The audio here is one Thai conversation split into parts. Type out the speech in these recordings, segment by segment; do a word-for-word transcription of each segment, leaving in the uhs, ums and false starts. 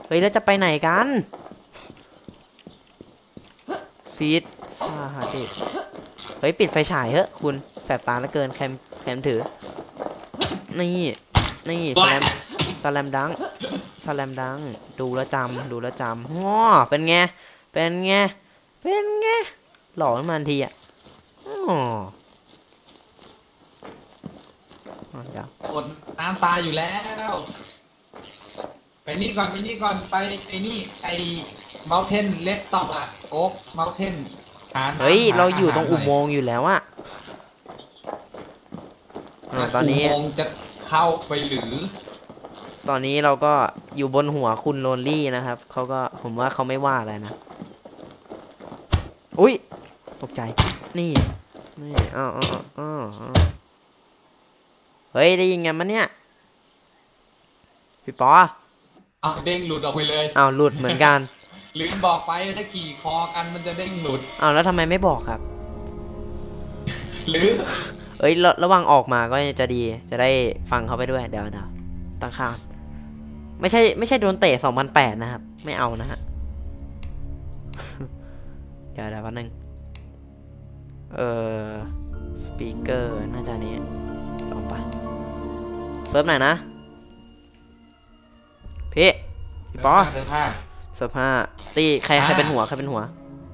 เฮ้ยแล้วจะไปไหนกันซีดซาฮาเดเฮ้ยปิดไฟฉายเถอะคุณแสบตาเหลือเกินแคมแคมถือนี่นี่สแลมสแลมดังสแลมดังดูแลจำดูแลจำง้อเป็นไงเป็นไงเป็นไงหล่อขึ้นมาทันทีอ่ะอ๋อเดี๋ยวอดน้ำตาอยู่แล้วไปนี่ก่อนไปนี่ก่อนไปไอ้นี่ไอ้เมาเทนเลสต็อปอะโอ๊กเมาเทนเฮ้ยเราอยู่ตรงอุโมงค์อยู่แล้วอะตอนนี้อุโมงค์จะเข้าไปหรือตอนนี้เราก็อยู่บนหัวคุณโรนลี่นะครับเขาก็ผมว่าเขาไม่ว่าอะไรนะอุ้ยตกใจนี่นี่อ้าวอ้าวอ้าวเฮ้ยได้ยินไงมันเนี่ยพี่ปอเอาเด้งหลุดออกไปเลยอ้าวหลุดเหมือนกันลืมบอกไปถ้าขี่คอกันมันจะเด้งหลุดอ้าวแล้วทำไมไม่บอกครับหรือเอ้ยระวังออกมาก็จะดีจะได้ฟังเขาไปด้วยเดี๋ยวเดี๋ยวตั้งค่าไม่ใช่ไม่ใช่โดนเตะสองพันแปดนะครับไม่เอานะฮะเดี๋ยวเดี๋ยววันนึงเอ่อสปีกเกอร์น่าจะนี้ลองไปเซิร์ฟไหนนะพี่พี่ปอเซิร์ฟห้าตีใครใครเป็นหัวใครเป็นหัว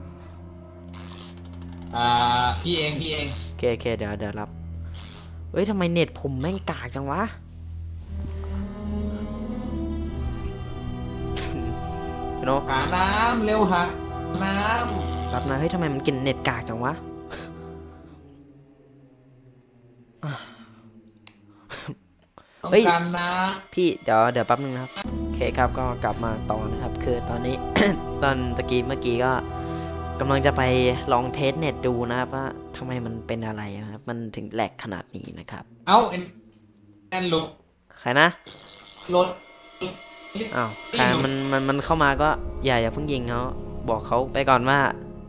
อ่าพี่เองพี่เองโอเคโอเคเดี๋ยวเดี๋ยวรับเฮ้ยทำไมเน็ตผมแม่งกากจังวะโนหาน้ำเร็วหาน้ำรับนะเฮ้ยทำไมมันกินเน็ตกากจังวะเฮ้ยนะพี่เดี๋ยวเดี๋ยวแป๊บนึงนะครับโอเคครับก็กลับมาต่อนะครับคือตอนนี้ ตอนตะกี้เมื่อกี้ก็กำลังจะไปลองเทสเน็ตดูนะครับว่าทำไมมันเป็นอะไรครับมันถึงแหลกขนาดนี้นะครับเอ้าเอ็นแอนลุกใครนะรถอ้าวใครมันมันมันเข้ามาก็อย่าอย่าเพิ่งยิงเขาบอกเขาไปก่อนว่า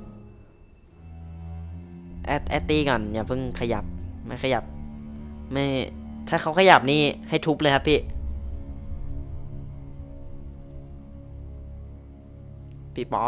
แอดแอดตี้ก่อนอย่าเพิ่งขยับไม่ขยับไม่ถ้าเขาขยับนี่ให้ทุบเลยครับพี่พี่ปอ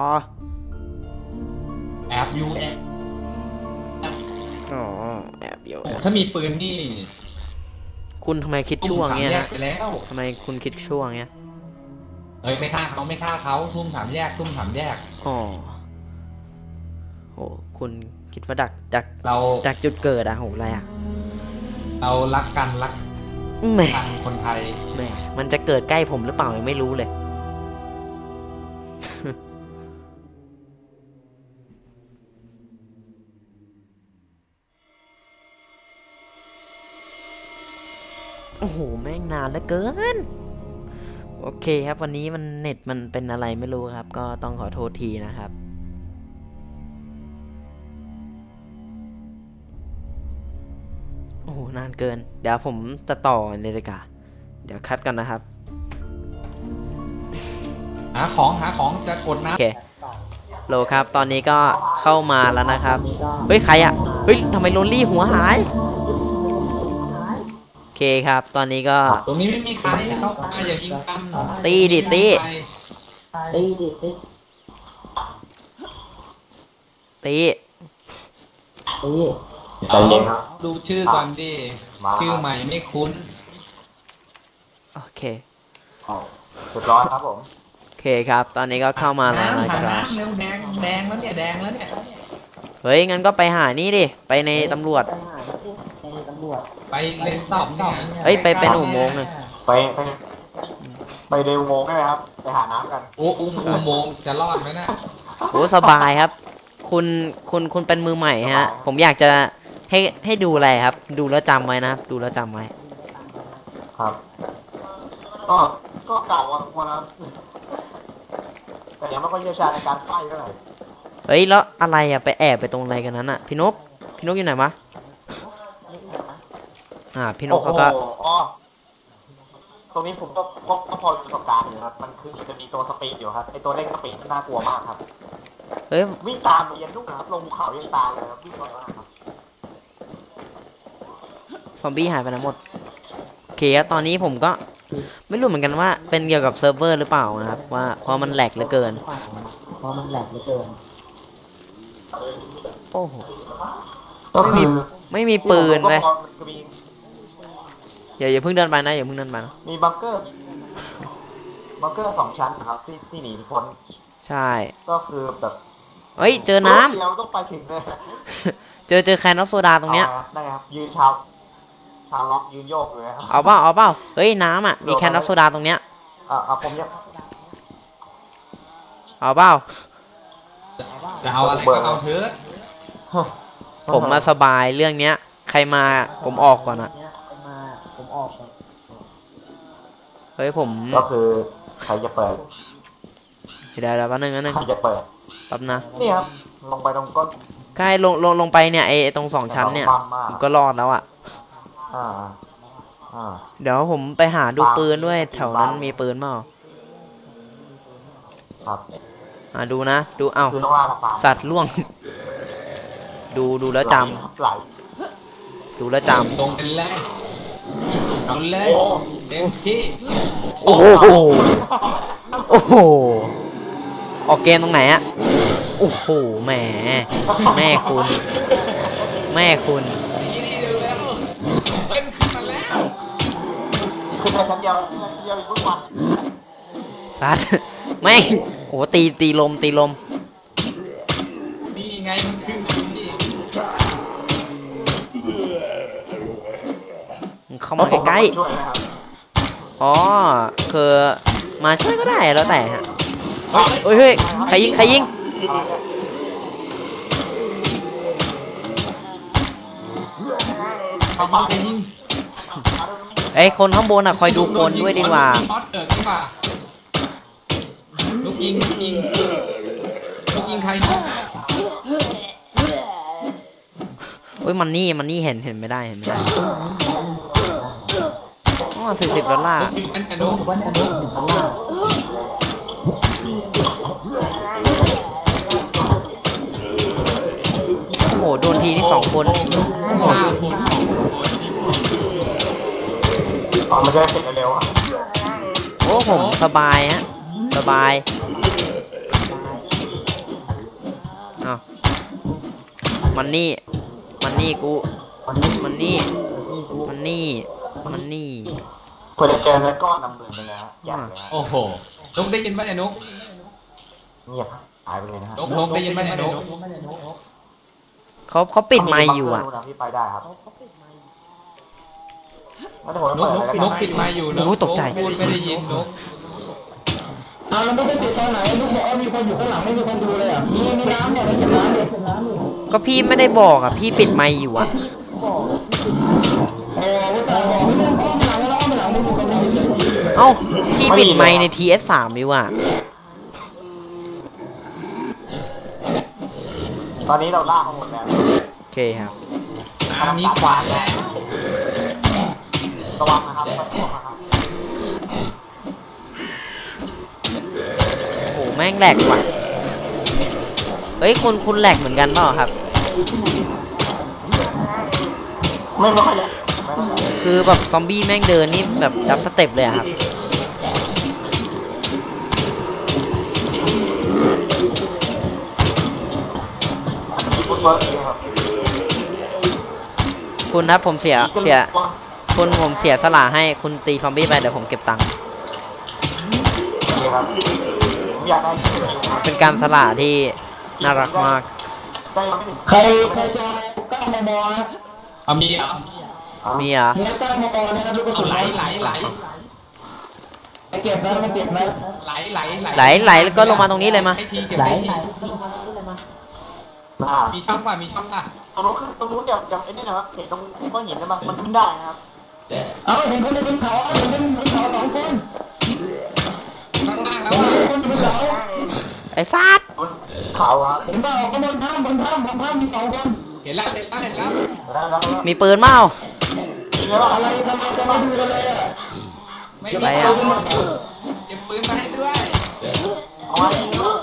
แอบยูแอบอ๋อแอบอยู่ถ้ามีปืนนี่คุณทำไมคิดช่วงเงี้ยทำไมคุณคิดช่วงเงี้ยเฮ้ยไม่ฆ่าเขาไม่ฆ่าเขาทุ่มถามแยกทุ่มถามแยกอ๋อโหคุณคิดว่าดักดักเราดักจุดเกิดอะโหอะไรอะเรารักกันรักกันคนไทยแม่มันจะเกิดใกล้ผมหรือเปล่ายังไม่รู้เลยโอ้โหแม่งนานเหลือเกินโอเคครับวันนี้มันเน็ตมันเป็นอะไรไม่รู้ครับก็ต้องขอโทษทีนะครับโอ้โหนานเกินเดี๋ยวผมจะต่อเลยดีกว่าเดี๋ยวคัดกันนะครับหาของหาของจะกดนะโอเคโลครับตอนนี้ก็เข้ามาแล้วนะครับเฮ้ยใครอ่ะเฮ้ยทำไมโรลลี่หัวหายโอเคครับตอนนี้ก็ตรงนี้ไม่มีใครเข้ามาอย่ายิงกันตีดิตีตีดิตีตีตีเอาดูชื่อก่อนดิชื่อใหม่ไม่คุ้นโอเคเรียบร้อยครับผมโอเคครับตอนนี้ก็เข้ามาแล้วนะครับแดงแดงแล้วเนี่ยแดงแล้วเนี่ยเฮ้ยงั้นก็ไปหานี่ดิไปในตำรวจไปเล่นตอบตอบเฮ้ยไปเป็นอุโมงค์เลยไปไปไปเดินอุโมงค์ได้ไหมครับไปหาน้ำกันโอ้อุโมงค์จะรอดไหมนะโอ้สบายครับคุณคุณคุณเป็นมือใหม่ฮะผมอยากจะให้ให้ดูอะไรครับดูแล้วจำไว้นะครับดูแล้วจำไว้ครับก็ก็เก่าวันละแต่ยังไม่ค่อยเชี่ยวชาญในการไฟเท่าไหร่เฮ้ยแล้วอะไรอะไปแอบไปตรงอะไรกันนั้นอะพี่นกพี่นกอยู่ไหนวะอ่าพี่นกเขาก็ตรงนี้ผมก็ก็พอประสบการณ์อยู่ครับมันคือจะมีตัวสปีดอยู่ครับไอตัวเร่งสปีดน่ากลัวมากครับเฮ้ยวิ่งตามเรียนลูกนะครับลงภูเขายังตามเลยครับวิ่งไวมากครับซอมบี้หายไปแล้วหมดโอเคครับตอนนี้ผมก็ไม่รู้เหมือนกันว่าเป็นเกี่ยวกับเซิร์ฟเวอร์หรือเปล่านะครับว่าเพราะมันแหลกเหลือเกินเพราะมันแหลกเหลือเกินโอ้โหก็คือไม่มีปืนเลยก็มีอย่าอย่าเพิ่งเดินไปนะอย่าเพิ่งเดินไปนะมีบังเกอร์บังเกอร์สองชั้นนะครับที่ที่หนีพ้นใช่ก็คือแบบเฮ้ยเจอน้ำเราต้องไปถึงเลยเจอเจอแคนนอฟโซดาตรงเนี้ยอาได้ครับยืนชาวชาวล็อกยืนโยกเลยครับเอาเปล่าเอาเปล่าเฮ้ยน้ำอ่ะมีแคนนอฟโซดาตรงเนี้ยอ่าอ่าผมยังเอาเปล่าจะเอาอะไรก็เอาเถอะผมมาสบายเรื่องเนี้ย ใครมาผมออกก่อนอะมาผมออกก่อนเฮ้ยผมก็คือใครจะเปิดเดี๋ยวเดี๋ยวแป๊บนึงแป๊บนึงใครจะเปิดแป๊บนะนี่ครับลงไปตรงก้นใกล้ลงลงลงไปเนี่ยไอ้ตรงสองชั้นเนี่ยปั๊มมากผมก็รอดแล้วอ่ะอ่าอ่าเดี๋ยวผมไปหาดูปืนด้วยแถวนั้นมีปืนเปล่าครับอ่าดูนะดูเอ้าคือต้องล่าปลาสัตว์ล่วง ดูดูแล้วจไหลำดูแล้วจตรงเป็นแรกเอาเลยเต็มที่ำโอ้โหโอ้โหออกเกมตรงไหนอะโอ้โหแหมแม่คุณ แม่คุณนี่นี่เร็วแล้วเต็มขึ้นมาแล้วคือในชั้นเดียวชั้นเดียวอีกทุกวันซัดแม่งโอ้โหตีตีลมตีลมนี่ไงมันขึ้นอยู่นี่มึงเข้ามาใกล้ช่วยนะครับๆอ๋อคือมาช่วยก็ได้แล้วแต่ฮะเฮ้ยเฮ้ยใครยิงใครยิงเอาไปมายิงไอ้ยคนข้างบนอ่ะคอยดูคนด้วยดีกว่าช็อตเกิดดีกว่าลูกยิงลูกยิงลูกยิงใครนะเฮ้ยมันนี่มันนี่เห็นเห็นไม่ได้เห็นไม่ได้อ๋อสี่สิบดอลลาร์ลูกยิงอันอันนู้นวันอันนี้หนึ่งพันล้านโอ้โหโดนทีนี่สองคนห้าคนอ๋อมันจะได้เสร็จเร็วๆอ่ะโอ้ผมสบายฮะสบายอ้าวมันนี่มันนี่กูวันนี้มันนี่มันนี่มันนี่เพื่อจะเจอเนื้อก้อนนำเบือนไปแล้วอยากเลยฮะโอ้โหนุกได้ยินไหมเนี่ยนุกเงียบหายไปเลยนะฮะนุกนุกได้ยินไหมเนี่ยนุกเขาเขาปิดไมค์อยู่อ่ะพี่ไปได้ครับไม่ได้ผมนุกเปิดนุกเลยนุแล้วกกันปิดไมค์อยู่นุกโอ้ตกใจพูดไม่ได้ยินนุกเอาแล้วไม่ได้ปิดตอนไหนลูกบอกว่ามีคนอยู่ข้างหลังไม่มีคนดูเลยอ่ะมีมีน้ำเนี่ยมันเก็บน้ำเนี่ยเก็บน้ำอยู่ก็พี่ไม่ได้บอกอ่ะพี่ปิดไมค์อยู่อ่ะโอ้ภาษาบอกไม่เล่นอ้อมหลังแล้วอ้อมหลังไม่มีคนได้ยินเลยเอ้าพี่ปิดไมค์ใน ที เอส สามอยู่อ่ะตอนนี้เราล่าเขาหมดแล้วโอเคครับอันนี้ขวานแล้วระวังนะครับระวังนะครับโอ้โหแม่งแหลกว่ะเฮ้ยคุณคุณแหลกเหมือนกันเปล่าครับไม่ไม่ค่อยเลยไม่ค่อยเลยคือแบบซอมบี้แม่งเดินนี่แบบดับสเต็ปเลยอะครับฟุตบอลเองครับคุณครับผมเสียเสียคุณผมเสียสละให้คุณตีซอมบี้ไปเดี๋ยวผมเก็บตังค์โอเคครับผมอยากได้เป็นการสละที่น่ารักมากได้ยังไม่ถึงใครใครจะเก้ามมนะเอามีเหรอมีเหรอ่ะเนื้อเก้ามมนะครับลูกกระเอาสุนไหลไหลไหลไปเก็บนะไปเก็บนะไหลไหลไหลไหลแล้วก็ลงมาตรงนี้เลยมาให้ทีเก็บให้ทีอ่ามีช่องป่ะมีช่องป่ะตรงนู้นขึ้นตรงนู้นอย่างอย่างไอ้นี่นะครับเห็นตรงก้อนหินได้ไหมมันขึ้นได้นะครับเอาเห็นคนอยู่บนเขาเห็นคนบนเขาสองคนข้างล่างแล้วเห็นอ่ะคนอยู่บนเขาไอ้ซัดบนเขาครับเห็นเปล่าข้างบนถ้ำบนถ้ำบนถ้ำมีสองคนเห็นแล้วเห็นแล้วเห็นแล้วแล้วแล้วแล้วมีปืนเปล่ามีแล้วอะไรทำไมจะมาดูกันเลยอ่ะไม่อะไรมีอ่ะเก็บปืนมาให้ด้วยเอาไว้ดีแล้ว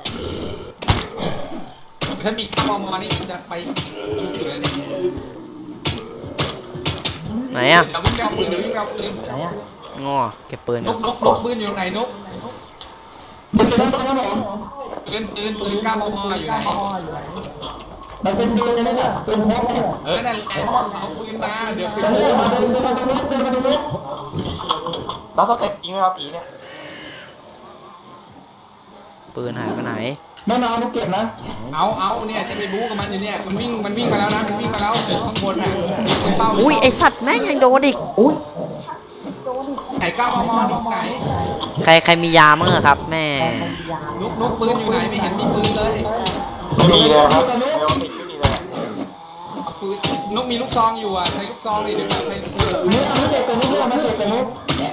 ถ้ามีข้าวมอนี่จะไปอยู่เลยเนี่ยไหนอ่ะเดี๋ยววิ่งไปเอาปืนเดี๋ยววิ่งไปเอาปืนไหงอเก็บปืนนครักบนกนกปืนอยู่ไหนนกมันเป็นอะไรนะผมปืนปืนปืนก้ามออยู่ไหนมันเป็นปืนเลยนะเป็นพกเนี่ยเออนั่นแหละเอาปืนมาเดี๋ยวไปเดินมาเดินมาตรงนี้เดินมาตรงนี้แล้วสเต็ปจริงไหมครับผีเนี่ยปืนหายไปไหนไม่มาเอาเก็บนะเอาเอาเนี่ยจะไปบู๊กับมันอยู่เนี่ยมันวิ่งมันวิ่งมาแล้วนะมันวิ่งมาแล้วข้างบนน่ะเป้าอุ้ยไอสัตว์แม่งยังโดนอีกไหนก้ามอตรงไหนใครใครมียามั้งอะครับ แม่นกนกปืนอยู่ไหนไม่เห็นมีปืนเลยไม่มีเลยครับเร็วติดไม่มีเลยเอาปืนนกมีลูกซองอยู่อ่ะใช้ลูกซองเลยเดี๋ยวใช้นี่เอาไม่เก็บเป็นนุ๊กไม่เก็บเป็นนุ๊ก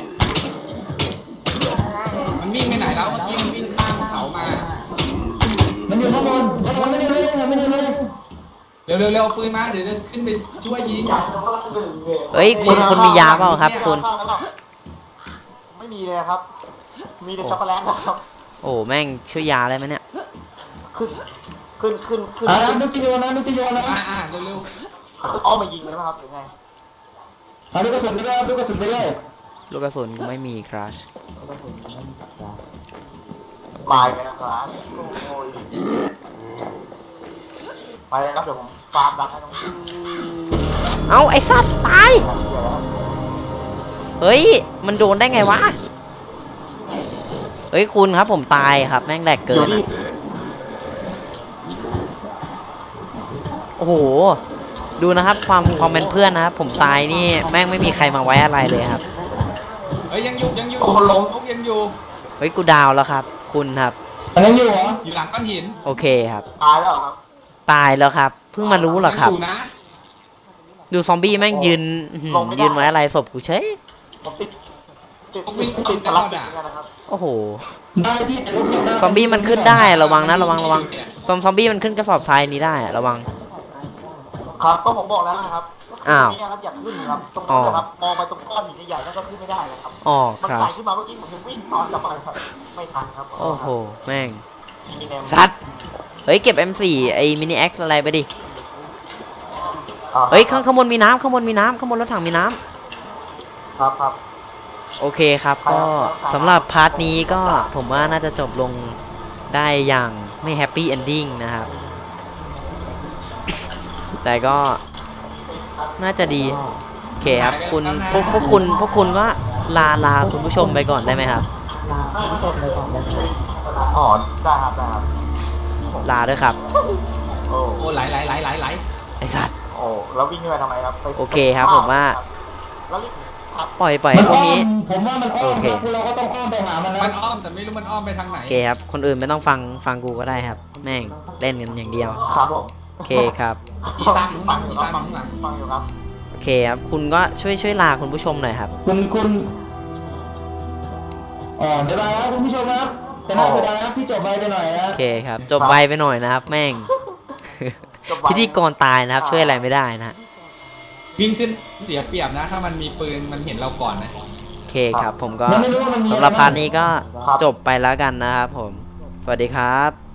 มันวิ่งไปไหนแล้วเมื่อกี้มันวิ่งข้ามเขามามันอยู่ข้างบนข้างบนไม่ได้เลยไม่ได้เลยเร็วเร็วเร็วเอาปืนมาเดี๋ยวจะขึ้นไปช่วยยิงเฮ้ยคุณคุณมียาเปล่าครับคุณไม่มีเลยครับ มีแต่ช็อกโกแลตนะครับโอ้แม่งช่วยยาได้ไหมเนี่ยขึ้นขึ้นขึ้นขึ้นอ่านุ๊กจะโยนนะนุ๊กจะโยนนะอ่าอ่าเร็วเร็วอ้อมายิงเลยไหมครับหรือไงเอาลูกกระสุนไปเลยลูกกระสุนไปเลยลูกกระสุนกูไม่มีครัชตายเลยนะครับโอ้ยไปเลยครับเดี๋ยวผมฟาร์มดักให้ตรงนี้เอาไอสัตว์ตาย เฮ้ย มันโดนได้ไงวะ เฮ้ยคุณครับผมตายครับแม่งแหลกเกินอะโอ้โห ดูนะครับความความเป็นเพื่อนนะครับผมตายนี่แม่งไม่มีใครมาไว้อะไรเลยครับเฮ้ยยังอยู่ยังอยู่นกยังอยู่เฮ้ยกูดาวแล้วครับ คุณครับอันนั้นอยู่เหรออยู่หลังก้อนหินโอเคครับตายแล้วครับตายแล้วครับ เพิ่งมารู้เหรอครับยู่นะดูซอมบี้แม่งยืนอื้อหือยืนไว้อะไรศพกูเฉยผมติดติดติดติดพลังติดนะครับโอ้โหได้ที่แต่ลูกเก็บได้ซอมบี้มันขึ้นได้ระวังนะระวังระวังซอมซอมบี้มันขึ้นกระสอบทรายนี้ได้อะระวังครับก็ผมบอกแล้วนะครับอ้าวนี่ครับอยากขึ้นครับตรงนี้นะครับมองไปตรงก้อนหินใหญ่ๆนั่นก็ขึ้นไม่ได้นะครับอ๋อมันครับไต่ขึ้นมาเมื่อกี้ผมยังวิ่งตอนกลับไปครับไม่ทันครับโอ้โหแม่งมีแนวสัตว์เฮ้ยเก็บ เอ็ม โฟร์ ไอ้มินิเอ็กซ์อะไรไปดิอ่าเฮ้ยข้างข้างบนมีน้ำข้างบนมีน้ำข้างบนรถถังมีน้ำครับครับโอเคครับก็สำหรับพาร์ทนี้ก็ผมว่าน่าจะจบลงได้อย่างไม่แฮปปี้เอนดิ้งนะครับ แต่ก็น่าจะดีโอเคครับคุณพวกพวกคุณพวกคุณก็ลาลาคุณผู้ชมไปก่อนได้ไหมครับอ๋อได้ครับได้ครับลาด้วยครับโอ้โอ้ไหลไหลไหลไหลไหลไอสัตว์โอ้แล้ววิ่งขึ้นไปทำไมครับไปโอเคครับผมว่าแล้วรีบครับปล่อยปล่อยมันพวอ้กอนี้มผมว่ามันอ้อมโอเคนะคือเราก็ต้องอ้อมไปหามันนะมันอ้อมแต่ไม่รู้มันอ้อมไปทางไหนโอเคครับคนอื่นไม่ต้องฟังฟังกูก็ได้ครับ แม่งเล่นกันอย่างเดียวครับผมโอเคครับอีตามหลังอีตามฟังหลังฟังอยู่ครับโอเคครับคุณก็ช่วยช่วยลาคุณผู้ชมหน่อยครับคุณคุณอ๋อเดี๋ยวไปครับคุณผู้ชมครับแต่น่าเสียดายครับที่จบไปไปหน่อยนะโอเคครับจบไวไปหน่อยนะครับ แม่ง พิธีกรตายนะครับ ช่วยอะไรไม่ได้นะวิ่งขึ้นเสียเปรียบนะ ถ้ามันมีปืนมันเห็นเราก่อนนะโอเคครับ ผมก็มันไม่รู้ว่ามันมีสำหรับอะไรพาร์ทนี้ก็จบไปแล้วกันนะครับผม สวัสดีครับ